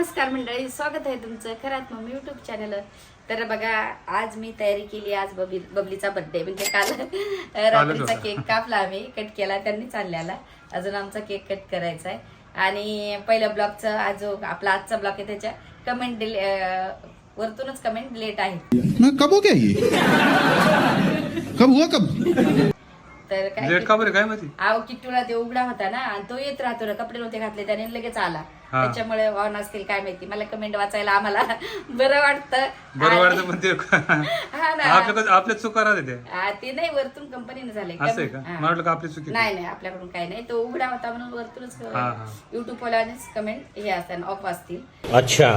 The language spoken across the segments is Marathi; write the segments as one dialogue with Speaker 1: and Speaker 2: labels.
Speaker 1: नमस्कार मंडळी, स्वागत आहे तुमचं खरात मम्मी युट्यूब चॅनल. तर बघा, आज मी तयारी केली. आज बबलीचा बर्थडे, म्हणजे काल रात्रीचा केक कापला, आम्ही कट केला, त्यांनी चालल्याला. अजून आमचा केक कट करायचा आहे. आणि पहिल्या ब्लॉगचा आज आपला आजचा ब्लॉग आहे, त्याच्या कमेंट वरतूनच कमेंट लेट आहे.
Speaker 2: कब हो गया ये? कब हुआ कब?
Speaker 1: तर
Speaker 3: लेट का बरं काय माहिती?
Speaker 1: आव किट्टूला ते उघडा होता ना, आणि तो येत राहतो ना, कपडे नव्हते घातले त्याने, लगेच आला. त्याच्यामुळे ऑन असतील काय माहिती. मला कमेंट वाचायला आम्हाला बरं वाटतं.
Speaker 3: पण ते
Speaker 1: हा ना,
Speaker 3: आपल्या चुका राहते
Speaker 1: ते नाही, वरतून कंपनीने झाले.
Speaker 3: असं आहे का? मला वाटलं का आपली चुकी.
Speaker 1: नाही, आपल्याकडून काही नाही. तो उघडा होता म्हणून वरतूनच युट्यूब वाल्यानेच कमेंट हे असतात, ऑफ असतील.
Speaker 4: अच्छा,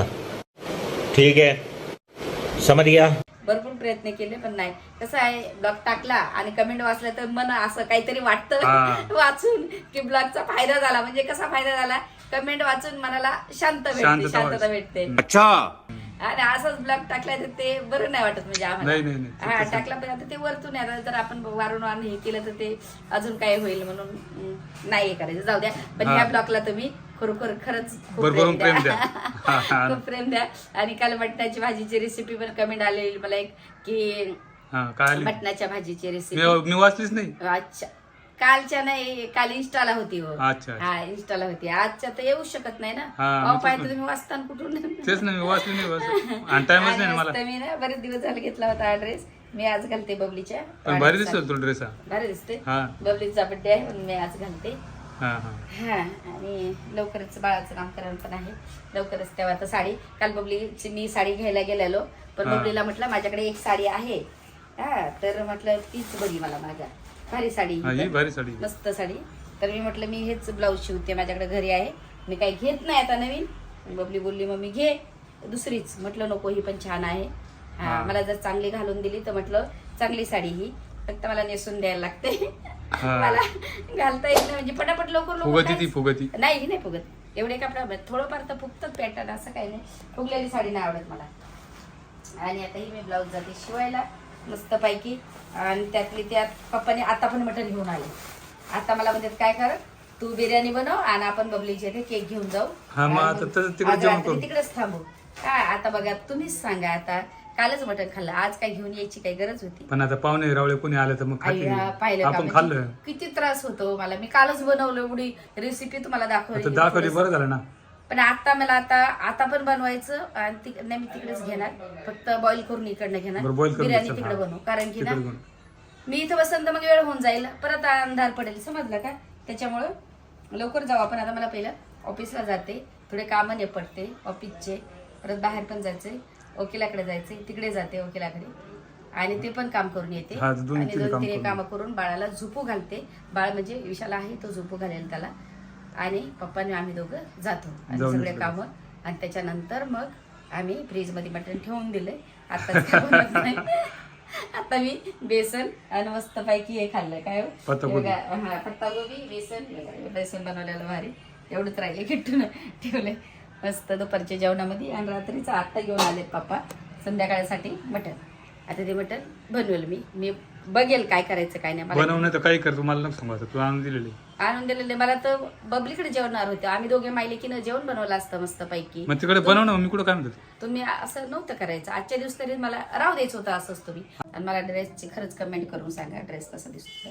Speaker 4: ठीक है, समझ गया.
Speaker 1: भरपूर प्रयत्न केले, पण नाही. कसं आहे, ब्लॉग टाकला आणि कमेंट वाचला तर मन असं काहीतरी वाटतं वाचून की ब्लॉगचा फायदा झाला. म्हणजे कसा फायदा झाला, कमेंट वाचून मनाला शांतता भेटते.
Speaker 2: अच्छा.
Speaker 1: आणि असाच ब्लॉग टाकला तर ते बरं नाही वाटत. म्हणजे आम्हाला हा टाकला, पण आता ते वरतून येतात. जर आपण वारंवार हे केलं तर ते अजून काय होईल, म्हणून नाही हे करायचं, जाऊ द्या. पण ह्या ब्लॉगला तुम्ही खरंच खूप प्रेम द्या. खूप प्रेम द्या. आणि काल मटणाची भाजीची रेसिपी पण कमेंट आलेली मला एक, की मटणाच्या भाजीची रेसिपी
Speaker 3: मी वाचलीच नाही.
Speaker 1: अच्छा, कालच्या नाही, काल इंस्टाला होती.
Speaker 3: अच्छा,
Speaker 1: हा, इंस्टाला होती. आजच्या तर येऊ शकत नाही ना, पाहिजे तुम्ही वाचताना कुठून.
Speaker 3: तेच नाही, मी वाचली नाही, टाइमच नाही मला.
Speaker 1: मी ना बरेच दिवस झाले घेतला होता हा ड्रेस. मी आज घालते बबलीच्या.
Speaker 3: भारी दिसतो तो ड्रेस.
Speaker 1: भारी दिसते. बबलीचा बर्थडे आहे म्हणून मी आज घालते. हा, आणि लवकरच बाळाचं नामकरण पण आहे, लवकरच. तेव्हा आता साडी, काल बबलीची मी साडी घ्यायला गेलेलो, पण बबलीला म्हटलं माझ्याकडे एक साडी आहे. हा, तर म्हटलं तीच बरी मला, माझ्या भारी साडी,
Speaker 3: भारी साडी,
Speaker 1: मस्त साडी. तर मी म्हटलं मी हेच ब्लाऊज शिवते, माझ्याकडे घरी आहे, मी काही घेत नाही आता नवीन. बबली बोलली मम्मी घे दुसरीच. म्हटलं नको, ही पण छान आहे. हा, मला जर चांगली घालून दिली तर म्हटलं चांगली साडी ही, फक्त मला नेसून द्यायला लागते. मला घालता येत नाही, म्हणजे पटापट लवकर
Speaker 3: फुगती
Speaker 1: नाही, ही नाही फुगत. एवढे कपडा थोडंफार तर फुगतात पॅटर्न, असं काही नाही. फुगलेली साडी नाही आवडत मला. आणि आता ही मी ब्लाऊज जाते शिवायला मस्त पैकी. आणि त्यातली त्यात पप्पाने आता पण मटण घेऊन आले. आता मला म्हणतात काय कर, तू बिर्याणी बनव आणि आपण बबलीचे इथे केक घेऊन जाऊ, तिकडेच थांबू. काय आता बघा, तुम्हीच सांगा. आता कालच मटण खाल्लं, आज काय घेऊन यायची काही गरज होती?
Speaker 3: पण आता पाहुणे रावळे कोणी आले तर मग
Speaker 1: पाहिलं
Speaker 3: आपण खाल्लं.
Speaker 1: किती त्रास होतो मला. मी कालच बनवलं, एवढी रेसिपी तुम्हाला दाखवली,
Speaker 3: बरं झालं ना.
Speaker 1: पण आता मला आता पण बनवायचं. आणि नाही, मी तिकडेच घेणार, फक्त बॉईल करून इकडनं घेणार, बिर्याणी तिकडे बनवू. कारण की ना, मी इथं बसन तर मग वेळ होऊन जाईल, परत अंधार पडेल, समजलं का? त्याच्यामुळं लवकर जाऊ आपण. आता मला पहिलं ऑफिसला जाते, थोडे कामं निपटते ऑफिसचे, परत बाहेर पण जायचंय, वकिलाकडे जायचंय, तिकडे जाते वकिलाकडे, आणि ते पण काम करून येते. आणि 2-3 कामं करून बाळाला झोपू घालते. बाळ म्हणजे विशाल आहे, तो झोपू घालेल त्याला. आणि पप्पाने आम्ही दोघं जातो आणि सगळे कामं. आणि त्याच्यानंतर मग आम्ही फ्रीजमध्ये मटण ठेवून दिले. आता मी बेसन आणि मस्त पैकी हे खाल्लं. काय पत्तागोबी, बेसन बनवलेलं भारी. एवढंच राहिले, किट्टून ठेवले मस्त दुपारच्या जेवणामध्ये. आणि रात्रीचं आत्ता घेऊन आले पप्पा संध्याकाळसाठी मटण. आता ते मटण बनवेल मी बघेल काय करायचं काय नाही.
Speaker 3: बनवणं तर काही कर, तुम्हाला सांगायचं. तू आणून दिलेले मला तर बबलीकडे जेवणार होते. आम्ही दोघे मायलेकीनं जेवण बनवलं असतं मस्त पैकी. मग तिकडे बनवणं, मी कुठं काय म्हणतो,
Speaker 1: तुम्ही असं नव्हतं करायचं. आजच्या दिवस तरी मला राहू द्यायचं होतं असंच तुम्ही. आणि मला ड्रेसची खरंच कमेंट करून सांगा, ड्रेस कसा दिसतो.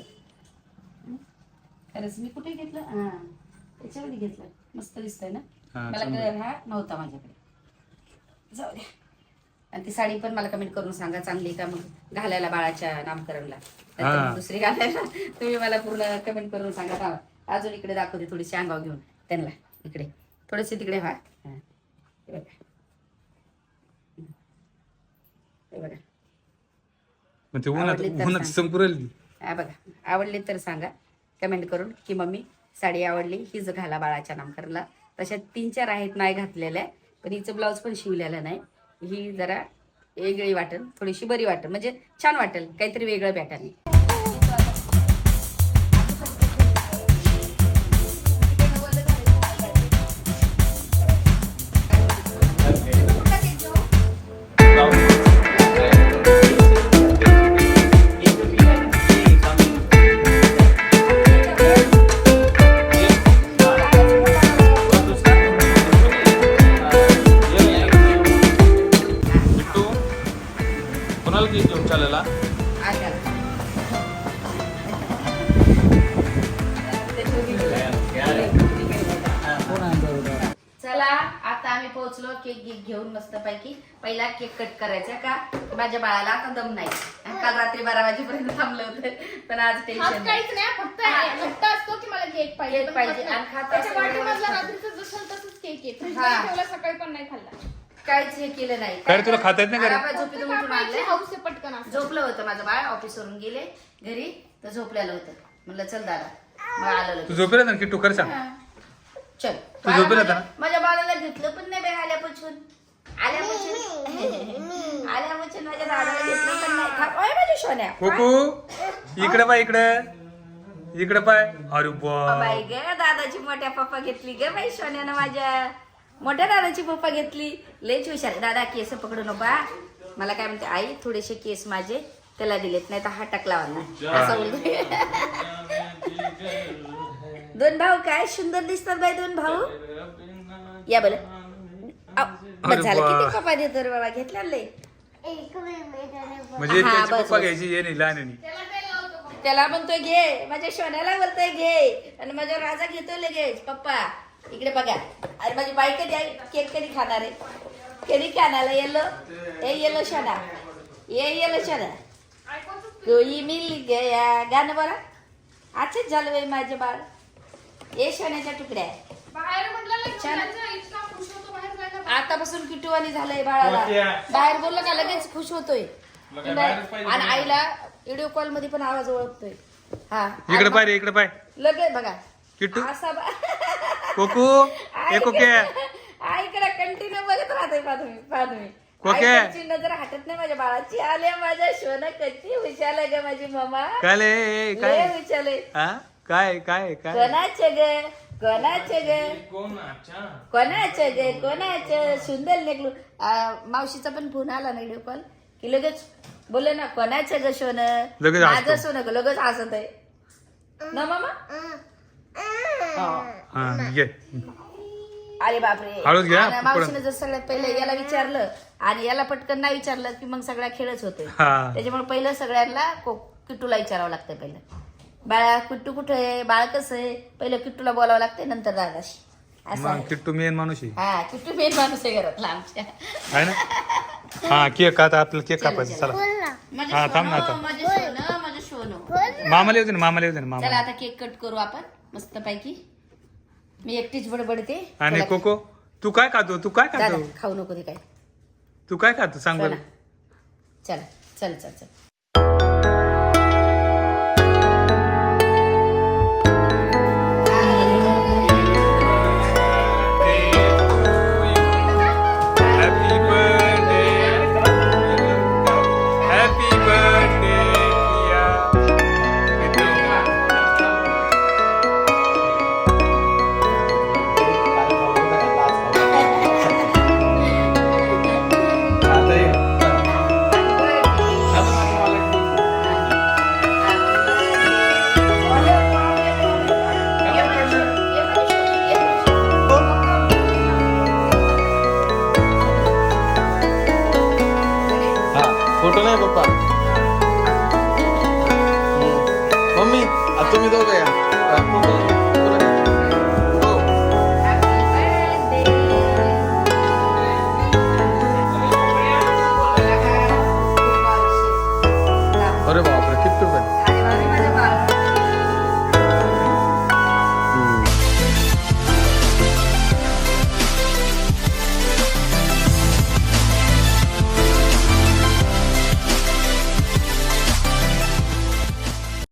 Speaker 1: खरंच मी कुठे घेतलं? हा, त्याच्यामध्ये घेतलं, मस्त दिसतंय ना. मला कलर हा नव्हता माझ्याकडे, जाऊ द्या. आणि ती साडी पण मला कमेंट करून सांगा, चांगली का मग घालायला बाळाच्या नामकरणला, दुसरी घालायला. तुम्ही मला पूर्ण कमेंट करून सांगा. अजून इकडे दाखवते थोडीशी अंगाव घेऊन त्यांना, इकडे थोडेसे तिकडे व्हा. बघा, आवडली तर सांगा कमेंट करून की मम्मी साडी आवडली, हीच घाला बाळाच्या नामकरणला. तशा 3-4 आहेत नाही घातलेल्या, पण हिचं ब्लाऊज पण शिवलेलं नाही. ही जरा वेगळी वाटेल, थोडीशी बरी वाटेल, म्हणजे छान वाटेल, काहीतरी वेगळं पॅटर्न.
Speaker 3: विशालाला.
Speaker 1: चला आता आम्ही पोहोचलो केक घेऊन मस्त पैकी. पहिला केक कट करायचा का माझ्या बाळाला आता दम नाही. काल रात्री 12 वाजेपर्यंत थांबलं होतं पण आज टेन्शन नाही.
Speaker 5: काहीच नाही फक्त हट्ट असतो की मला केक पाहिजे
Speaker 1: केक पाहिजे आणि खाता
Speaker 5: त्याच्या पाठीमागला रात्रीचं जसं तसंच केक आहे फ्रीजमध्ये ठेवला सकाळी पण नाही खाल्ला.
Speaker 1: काहीच हे केलं नाही.
Speaker 3: काय रे, तुला खाता येत नाही का रे?
Speaker 1: आपण झोपेतून उठून आणलं.
Speaker 5: हाऊस आहे पटकन असं.
Speaker 1: झोपलं होतं माझं बाळ ऑफिसवरून गेले घरी तर झोपलेलं होतं. म्हणलं चल दादा मग आलं
Speaker 3: तू
Speaker 1: लगेच.
Speaker 3: झोपेला ना की टू कर सांग.
Speaker 1: चल
Speaker 3: तू झोपेला होता ना?
Speaker 1: माझ्या बाळाला घेतलं पण नाही बाई आल्यापासून आल्यापासून माझ्या दादाला घेतलं पण नाही. ओय माझ्या सोन्या
Speaker 3: कोकू इकडे पाय इकडे पाय. अरे
Speaker 1: बाई ग दादाची मोठ्या पप्पा घेतली ग बाई सोन्यानं. माझ्या मोठ्या दादाची पप्पा घेतली. लयच हुशार. दादा केस पकडू नका. मला काय म्हणते आई थोडेसे केस माझे त्याला दिलेत नाही तर हा टाकला वाला असं बोलतोय. दोन भाऊ काय सुंदर दिसतात बाई दोन भाऊ. या बोल झालं किती पप्पा देतो रे बाबा घेतला लय.
Speaker 3: म्हणजे
Speaker 1: हा,
Speaker 3: त्याची
Speaker 1: बस,
Speaker 3: पप्पा
Speaker 1: बस.
Speaker 3: घ्यायची ये नाही लहान आहे.
Speaker 1: त्याला म्हणतोय घे माझ्या सोन्याला बोलतोय घे आणि माझ्या राजा घेतोय लगेच पप्पा. इकडे बघा अरे माझी बाई कधी केक कधी खाणार आहे कधी खाणार येलो ए येलो शोना येलो शोना कोई मिल गया गाणं बरं. आजच झालं बाई माझे बाळ. ए सोन्याच्या तुकड्या
Speaker 5: बाहेर म्हटलं ना
Speaker 1: छान.
Speaker 5: मुलांचा इतका खुश होतो बाहेर जायला.
Speaker 1: आतापासून किटूवाणी झालंय बाळाला. बाहेर बोललं का लगेच खुश होतोय. आणि आईला व्हिडिओ कॉल मध्ये पण आवाज ओळखतोय. हा
Speaker 3: इकडे पाय रे इकडे पाय.
Speaker 1: लगेच बघा
Speaker 3: किट्टू
Speaker 1: असा
Speaker 3: कोकू ए कोके.
Speaker 1: आईकडे कंटिन्यू बघत राहतोय पाहतोय
Speaker 3: कोके.
Speaker 1: आईची नजर हटत नाही माझ्या बाळाची. आले माझ्या शोना कशी हुशार आहे ग माझी मामा.
Speaker 3: काय
Speaker 1: लय
Speaker 3: काय
Speaker 1: हुशार आहे.
Speaker 3: हा काय काय काय
Speaker 1: कोणाचे ग कोणाचे ग कोणाचे ग कोणाचे सुंदर लेगलू. मावशीचा पण फोन आला ना व्हिडिओ कॉल की लगेच बोलले ना कोणाचे ग सोन
Speaker 3: लगेच
Speaker 1: माझं
Speaker 3: हसतो.
Speaker 1: सोनं ग लगेच हसत आहे ना मामा.
Speaker 3: हा घे.
Speaker 1: अरे बापरे.
Speaker 3: हळूच घ्या,
Speaker 1: आणि मावशीने जर सगळ्यात पहिले याला विचारलं आणि याला पटकन नाही विचारलं की मग सगळा खेळच होतोय.
Speaker 3: हा.
Speaker 1: त्याच्यामुळे पहिलं सगळ्यांना किट्टूला विचारावं लागतं. पहिलं बाळा किट्टू कुठं आहे बाळ कसं आहे पहिलं किट्टूला बोलावं लागतंय नंतर दादाशी असं
Speaker 3: मग
Speaker 1: आहे.
Speaker 3: किट्टू मेन माणूस आहे.
Speaker 1: हा किट्टू मेन माणूस आहे घरातला आमच्या.
Speaker 3: आहे ना. हा केक आता आपल्याला केक कापायचा. चला
Speaker 1: माझं
Speaker 3: हा, थांब ना
Speaker 1: सोनं,
Speaker 3: आता.
Speaker 1: माझं सोनं.
Speaker 3: मामाला येऊ दे ना मामाला येऊ दे ना
Speaker 1: चला
Speaker 3: मामा.
Speaker 1: आता केक कट करू आपण मस्त पैकी. मी एकटीच बडबडते.
Speaker 3: आणि
Speaker 1: तुला-
Speaker 3: कोको तू काय खातो तू काय
Speaker 1: दादा
Speaker 3: खातो
Speaker 1: खाऊ नको ते काय.
Speaker 3: तू काय खातो सांग बरं.
Speaker 1: चला चल चल चल.
Speaker 3: Happy birthday happy birthday
Speaker 2: photo नाही पप्पा. मम्मी आता तुम्ही दोघं या. फोटो हो. अरे बाप